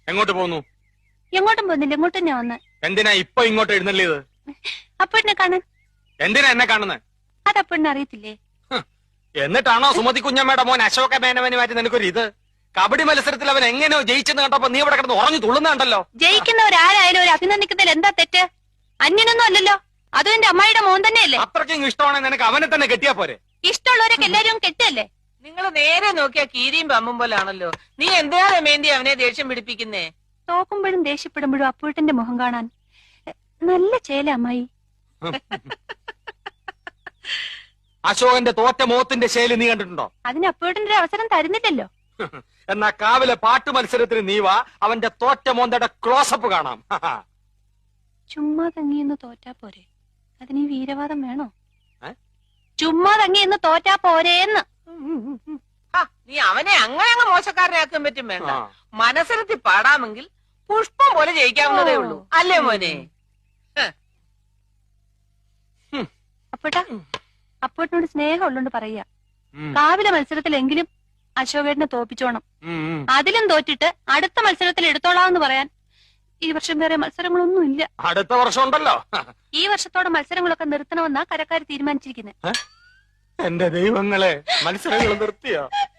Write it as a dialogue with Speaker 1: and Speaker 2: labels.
Speaker 1: എങ്ങോട്ട് പോകുന്നു?
Speaker 2: എങ്ങോട്ടും പോകുന്നില്ല, ഇങ്ങോട്ട് തന്നെ വന്ന്.
Speaker 1: എന്തിനാ ഇപ്പൊ ഇങ്ങോട്ട് എഴുന്നള്ളിയത്?
Speaker 2: അപ്പഴിനെ കാണാൻ.
Speaker 1: എന്തിനാ എന്നെ കാണുന്നത്?
Speaker 2: അത് അപ്പഴിനെ അറിയത്തില്ലേ?
Speaker 1: എന്നിട്ടാണോ സുമതി കുഞ്ഞമ്മയുടെ മോൻ അശോക മേനവന് മാറ്റി നിനക്കൊരു ഇത്? കബഡി മത്സരത്തിൽ അവൻ എങ്ങനെയോ ജയിച്ചെന്ന് കണ്ടപ്പോ നീ ഇവിടെ കിടന്ന് ഉറഞ്ഞു തുള്ളുന്നുണ്ടല്ലോ.
Speaker 2: ജയിക്കുന്നവരാരായാലും ഒരു അഭിനന്ദിക്കുന്നതിൽ എന്താ തെറ്റ്? അന്യനൊന്നും അല്ലല്ലോ, അതും എന്റെ അമ്മായിയുടെ മോൻ തന്നെയല്ലേ.
Speaker 1: അത്രയ്ക്കും ഇഷ്ടമാണെങ്കിൽ നിനക്ക് അവനെ തന്നെ കെട്ടിയാ പോരെ?
Speaker 2: ഇഷ്ടമുള്ളവരൊക്കെ എല്ലാരും കെട്ടല്ലേ?
Speaker 3: നിങ്ങൾ നേരെ നോക്കിയാ കീരിയും പമ്പും പോലാണല്ലോ. നീ എന്തിനാ രമേന്തി അവനെ ദേഷ്യം പിടിപ്പിക്കുന്നേ?
Speaker 2: തോക്കുമ്പോഴും ദേഷ്യപ്പെടുമ്പോഴും അപ്പൂട്ടന്റെ മുഖം കാണാൻ നല്ല ചേല അമ്മായി.
Speaker 1: അശോകന്റെ തോറ്റ മോത്തിന്റെ ശൈലി നീ കണ്ടിട്ടുണ്ടോ?
Speaker 2: അതിന് അപ്പൂട്ടന്റെ ഒരു അവസരം തരുന്നില്ലല്ലോ.
Speaker 1: എന്നാ കാവിലെ പാട്ട് മത്സരത്തിന് നീ വാ, അവന്റെ തോറ്റ മോന്തയുടെ ക്ലോസപ്പ് കാണാം.
Speaker 2: ചുമ്മാ തങ്ങിയെന്ന് തോറ്റാ പോരെ, അതിന് ഈ വീരവാദം വേണോ? ചുമ്മാ തങ്ങിയെന്ന് തോറ്റാ പോരേന്ന്.
Speaker 3: നീ അവനെ അങ്ങനെ അങ്ങ് മോശക്കാരനാക്കാൻ പറ്റും വേണ്ട. മനസ്സിലെത്തി പാടാമെങ്കിൽ പുഷ്പം പോലെ ജയിക്കാവുന്നതേ ഉള്ളൂ, അല്ലേ മോനെ?
Speaker 2: അപ്പോട്ടാ, അപ്പോട്ടിനോട് സ്നേഹം ഉള്ളോണ്ട് പറയാ, കാവിലെ മത്സരത്തിലെങ്കിലും അശോകേട്ടനെ തോപ്പിച്ചോണം. അതിലും തോറ്റിട്ട് അടുത്ത മത്സരത്തിൽ എടുത്തോളാന്ന് പറയാൻ ഈ വർഷം വേറെ മത്സരങ്ങളൊന്നും ഇല്ല.
Speaker 1: അടുത്ത വർഷം ഉണ്ടല്ലോ.
Speaker 2: ഈ വർഷത്തോടെ മത്സരങ്ങളൊക്കെ നിർത്തണമെന്നാ കരക്കാര് തീരുമാനിച്ചിരിക്കുന്നത്.
Speaker 1: എന്റെ ദൈവങ്ങളെ, മത്സരങ്ങൾ നിർത്തിയോ?